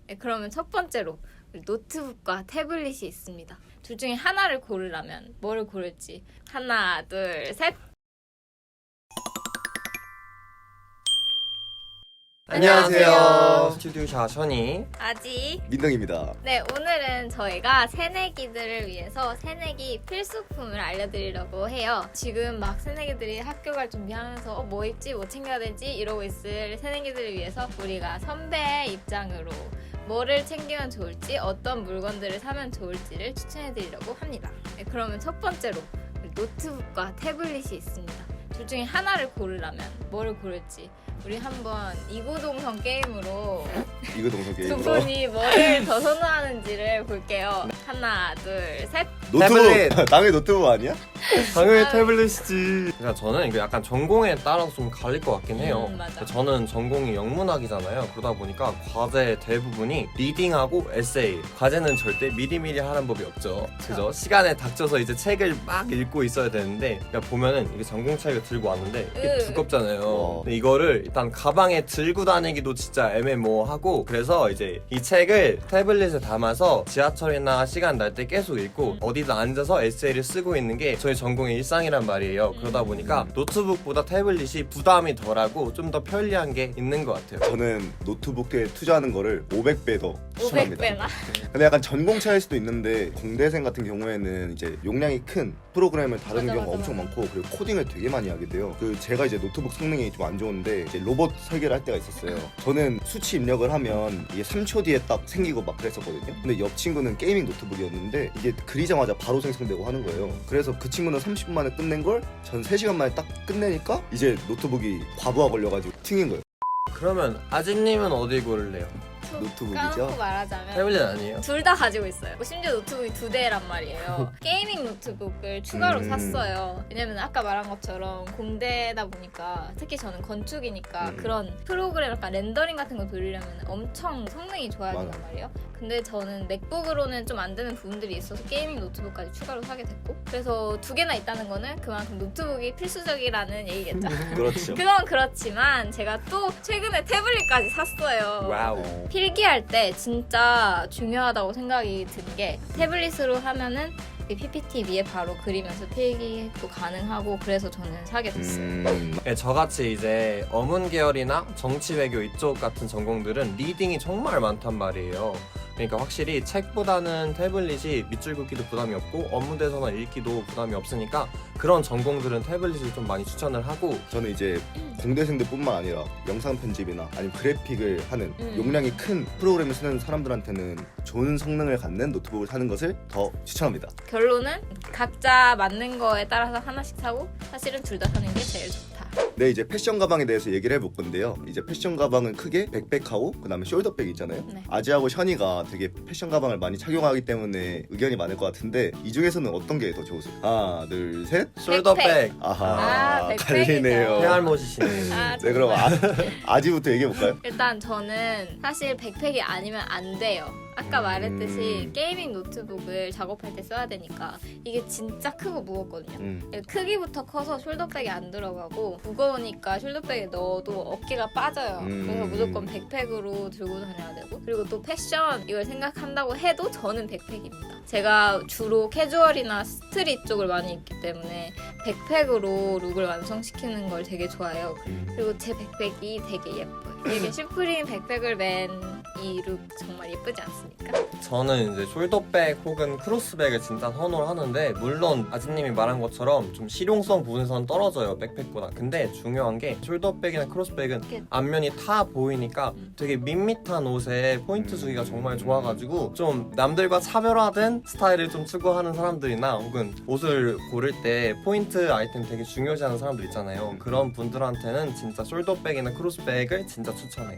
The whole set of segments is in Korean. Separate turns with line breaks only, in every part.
네, 그러면 첫 번째로 노트북과 태블릿이 있습니다. 둘 중에 하나를 고르라면 뭐를 고를지 하나, 둘, 셋! 안녕하세요.
스튜디오샤 션이
아지.
민동입니다.
네, 오늘은 저희가 새내기들을 위해서 새내기 필수품을 알려드리려고 해요. 지금 막 새내기들이 학교 갈 준비하면서 뭐 입지, 뭐 챙겨야 되지 이러고 있을 새내기들을 위해서 우리가 선배의 입장으로 뭐를 챙기면 좋을지, 어떤 물건들을 사면 좋을지를 추천해드리려고 합니다. 네, 그러면 첫 번째로 노트북과 태블릿이 있습니다. 둘 중에 하나를 고르라면 뭐를 고를지 우리 한번 이구동성 게임으로
이거 동서
두
게임으로
분이 뭐를 더 선호하는지를 볼게요. 하나, 둘, 셋.
노트북 당연히 노트북 아니야?
당연히 태블릿이지. 그러니까 저는 이게 약간 전공에 따라서 좀 갈릴 것 같긴 해요.
맞아.
저는 전공이 영문학이잖아요. 그러다 보니까 과제 대부분이 리딩하고 에세이. 과제는 절대 미리미리 하는 법이 없죠. 그죠? 시간에 닥쳐서 이제 책을 막 읽고 있어야 되는데, 그러니까 보면은 이게 전공책을 들고 왔는데 이게 두껍잖아요. 근데 이거를 일단 가방에 들고 다니기도 진짜 애매모호하고, 그래서 이제 이 책을 태블릿에 담아서 지하철이나 시간 날 때 계속 읽고 어디다 앉아서 에세이를 쓰고 있는 게 저희 전공의 일상이란 말이에요. 그러다 보니까 노트북보다 태블릿이 부담이 덜하고 좀 더 편리한 게 있는 것 같아요.
저는 노트북에 투자하는 거를 500배 더 추천합니다.
500배나?
근데 약간 전공 차일 수도 있는데 공대생 같은 경우에는 이제 용량이 큰 프로그램을 다루는
맞아,
경우가
맞아,
엄청
맞아.
많고, 그리고 코딩을 되게 많이 하게 돼요. 제가 이제 노트북 성능이 좀 안 좋은데 이제 로봇 설계를 할 때가 있었어요. 저는 수치 입력을 하면 이게 3초 뒤에 딱 생기고 막 그랬었거든요. 근데 옆 친구는 게이밍 노트북이었는데 이게 그리자마자 바로 생성되고 하는 거예요. 그래서 그 친구는 30분 만에 끝낸 걸 전 3시간 만에 딱 끝내니까 이제 노트북이 과부하 걸려가지고 튕긴 거예요.
그러면 아진님은 어디 고를래요?
노트북이죠?
까놓고 말하자면
태블릿 아니에요?
둘 다 가지고 있어요. 심지어 노트북이 2대란 말이에요. 게이밍 노트북을 추가로 샀어요. 왜냐면 아까 말한 것처럼 공대다 보니까, 특히 저는 건축이니까 그런 프로그램 약간 렌더링 같은 거 돌리려면 엄청 성능이 좋아야 된단
맞아.
말이에요. 근데 저는 맥북으로는 좀 안 되는 부분들이 있어서 게이밍 노트북까지 추가로 사게 됐고, 그래서 2개나 있다는 거는 그만큼 노트북이 필수적이라는 얘기겠죠.
그렇죠.
그건 그렇지만 제가 또 최근에 태블릿까지 샀어요.
와우.
필기할 때 진짜 중요하다고 생각이 든 게, 태블릿으로 하면은 이 PPT 위에 바로 그리면서 필기도 가능하고, 그래서 저는 사게 됐어요.
네, 저같이 이제 어문 계열이나 정치 외교 이쪽 같은 전공들은 리딩이 정말 많단 말이에요. 그러니까 확실히 책보다는 태블릿이 밑줄 긋기도 부담이 없고 업무대서나 읽기도 부담이 없으니까 그런 전공들은 태블릿을 좀 많이 추천을 하고,
저는 이제 공대생들뿐만 아니라 영상 편집이나 아니면 그래픽을 하는 용량이 큰 프로그램을 쓰는 사람들한테는 좋은 성능을 갖는 노트북을 사는 것을 더 추천합니다.
결론은 각자 맞는 거에 따라서 하나씩 사고, 사실은 둘 다 사는 게 제일 좋다.
네, 이제 패션 가방에 대해서 얘기를 해볼 건데요. 이제 패션 가방은 크게 백팩하고 그다음에 숄더백 있잖아요.
네.
아지하고 션이가 되게 패션 가방을 많이 착용하기 때문에 의견이 많을 것 같은데, 이 중에서는 어떤 게 더 좋으세요? 하나, 둘, 셋.
숄더백.
아하,
백팩이죠.
갈리네요.
해알못이시네.
아,
네, 그럼 아지부터 얘기해볼까요?
일단 저는 사실 백팩이 아니면 안 돼요. 아까 말했듯이 게이밍 노트북을 작업할 때 써야 되니까 이게 진짜 크고 무겁거든요. 크기부터 커서 숄더백이 안 들어가고, 무거우니까 숄더백에 넣어도 어깨가 빠져요. 그래서 무조건 백팩으로 들고 다녀야 되고, 그리고 또 패션 이걸 생각한다고 해도 저는 백팩입니다. 제가 주로 캐주얼이나 스트릿 쪽을 많이 입기 때문에 백팩으로 룩을 완성시키는 걸 되게 좋아해요. 그리고 제 백팩이 되게 예뻐요. 이게 슈프림 백팩을 맨 이 룩 정말 예쁘지 않습니까?
저는 이제 숄더백 혹은 크로스백을 진짜 선호를 하는데, 물론 아진님이 말한 것처럼 좀 실용성 부분에서는 떨어져요, 백팩보다. 근데 중요한 게 숄더백이나 크로스백은 앞면이 타 보이니까 되게 밋밋한 옷에 포인트 주기가 정말 좋아가지고, 좀 남들과 차별화된 스타일을 좀 추구하는 사람들이나 혹은 옷을 고를 때 포인트 아이템 되게 중요시하는 사람들 있잖아요. 그런 분들한테는 진짜 숄더백이나 크로스백을 진짜 추천해요.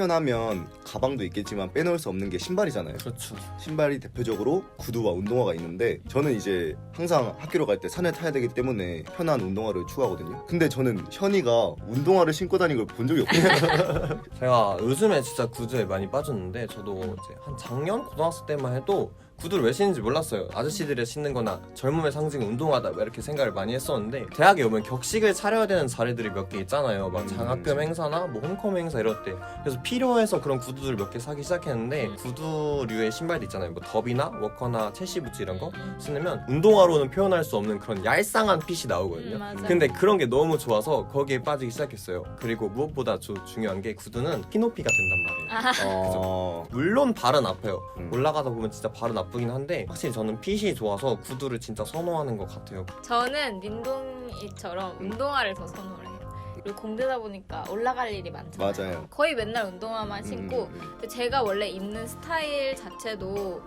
패션하면 가방도 있겠지만 빼놓을 수 없는 게 신발이잖아요.
그렇죠.
신발이 대표적으로 구두와 운동화가 있는데, 저는 이제 항상 학교로 갈 때 산을 타야 되기 때문에 편한 운동화를 추구하거든요. 근데 저는 현이가 운동화를 신고 다니는 걸 본 적이 없거든요.
제가 요즘에 진짜 구두에 많이 빠졌는데, 저도 이제 한 작년 고등학생 때만 해도 구두를 왜 신는지 몰랐어요. 아저씨들이 신는 거나 젊음의 상징 운동화다 막 이렇게 생각을 많이 했었는데 대학에 오면 격식을 차려야 되는 자리들이 몇 개 있잖아요. 막 장학금 행사나 뭐 홈컴 행사 이럴 때. 그래서 필요해서 그런 구두들 몇 개 사기 시작했는데 구두류의 신발도 있잖아요. 뭐 더비나 워커나 첼시 부츠 이런 거 신으면 운동화로는 표현할 수 없는 그런 얄쌍한 핏이 나오거든요.
맞아.
근데 그런 게 너무 좋아서 거기에 빠지기 시작했어요. 그리고 무엇보다 중요한 게 구두는 키높이가 된단 말이에요. 물론 발은 아파요. 올라가다 보면 진짜 발은 아프긴 한데 확실히 저는 핏이 좋아서 구두를 진짜 선호하는 것 같아요.
저는 민동이처럼 운동화를 더 선호를 해요. 그리고 공대다 보니까 올라갈 일이 많잖아요.
맞아요.
거의 맨날 운동화만 신고 근데 제가 원래 입는 스타일 자체도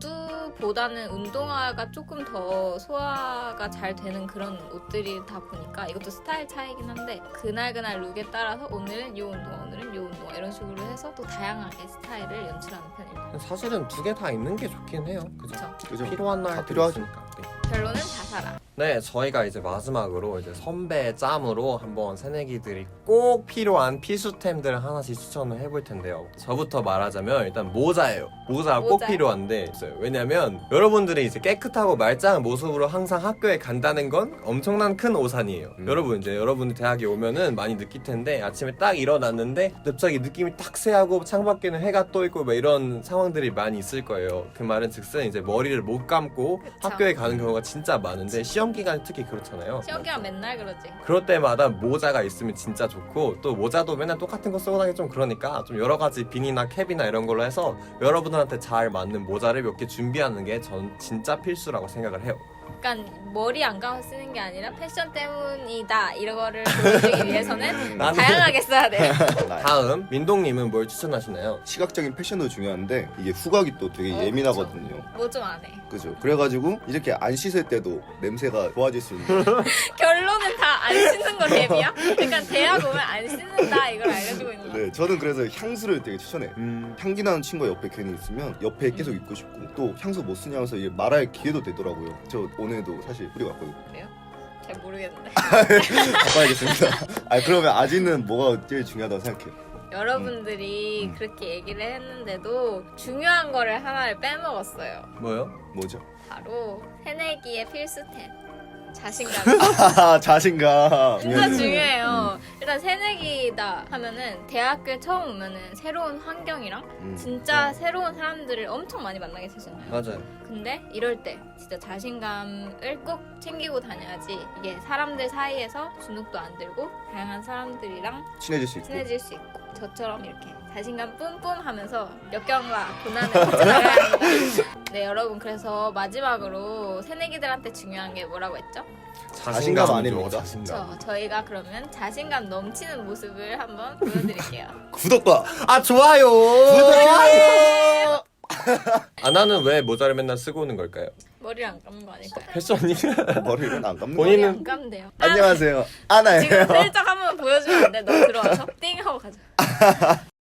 구두보다는 운동화가 조금 더 소화가 잘 되는 그런 옷들이다 보니까 이것도 스타일 차이긴 한데 그날 룩에 따라서 오늘은 요 운동화, 오늘은 요 운동화 이런 식으로 해서 또 다양하게 스타일을 연출하는 편입니다.
사실은 두 개 다 있는 게 좋긴 해요. 그죠?
그죠?
필요한
다
날
필요하죠.
필요하니까. 네.
결론은 다 사라.
네, 저희가 이제 마지막으로 이제 선배 짬으로 한번 새내기들이 꼭 필요한 필수템들 하나씩 추천을 해볼 텐데요. 저부터 말하자면 일단 모자예요. 모자가 꼭
모자.
필요한데 있어요. 왜냐면 여러분들이 이제 깨끗하고 말짱한 모습으로 항상 학교에 간다는 건 엄청난 큰 오산이에요. 여러분 이제 여러분들 대학에 오면은 많이 느낄 텐데 아침에 딱 일어났는데 갑자기 느낌이 딱 쎄하고 창밖에는 해가 떠 있고 막 이런 상황들이 많이 있을 거예요. 그 말은 즉슨 이제 머리를 못 감고
그쵸.
학교에 가는 경우가 진짜 많은데 시험 기간 특히 그렇잖아요.
시험기랑 맨날 그러지.
그럴 때마다 모자가 있으면 진짜 좋고 또 모자도 맨날 똑같은 거 쓰고 다니기 좀 그러니까 좀 여러 가지 비니나 캡이나 이런 걸로 해서 여러분들한테 잘 맞는 모자를 몇 개 준비하는 게 전 진짜 필수라고 생각을 해요.
그러니까 머리 안 감아서 쓰는 게 아니라 패션 때문이다 이거를 보여주기 위해서는
나는-
다양하게 써야 돼요.
다음 민동님은 뭘 추천하시나요?
시각적인 패션도 중요한데 이게 후각이 또 되게 예민하거든요.
뭐 좀 안 해.
그죠? 그래가지고 이렇게 안 씻을 때도 냄새가 좋아질 수 있는.
결론은 다 안 씻는 거 대비야? 그러니까 대학 오면 안 씻는다 이걸 알려주고 있는 거야.
네, 저는 그래서 향수를 되게 추천해요. 향기 나는 친구가 옆에 괜히 있으면 옆에 계속 있고 싶고 또 향수 못 쓰냐면서 이게 말할 기회도 되더라고요. 저 오늘도 사실 뿌리고 왔거든요.
그래요? 잘 모르겠는데.
바꿔야겠습니다. 아 그러면 아직은 뭐가 제일 중요하다고 생각해요?
여러분들이 그렇게 얘기를 했는데도 중요한 거를 하나를 빼먹었어요.
뭐요?
뭐죠?
바로 새내기의 필수템. 자신감.
자신감.
진짜 중요해요. 일단 새내기다 하면은 대학교에 처음 오면은 새로운 환경이랑 진짜 새로운 사람들을 엄청 많이 만나게 되잖아요.
맞아요.
근데 이럴 때 진짜 자신감을 꼭 챙기고 다녀야지 이게 사람들 사이에서 주눅도 안 들고 다양한 사람들이랑
친해질 수 있고.
친해질 수 있고 저처럼 이렇게 자신감 뿜뿜 하면서 역경과 고난을 헤쳐나가야 합니다. 네 여러분 그래서 마지막으로 새내기들한테 중요한 게 뭐라고 했죠?
자신감 아닙니까?
자신감.
저희가 그러면 자신감 넘치는 모습을 한번 보여드릴게요.
구독과
아 좋아요.
구독.
아 나는 왜 모자를 맨날 쓰고 오는 걸까요?
머리를 안 감는 거 아닐까요?
패션이
머리를 안 감는
본인은-
머리 안 감대요.
안녕하세요. 아나예요.
지금 슬쩍 한번 보여주면 안 돼? 너 들어와서 띵 하고 가자.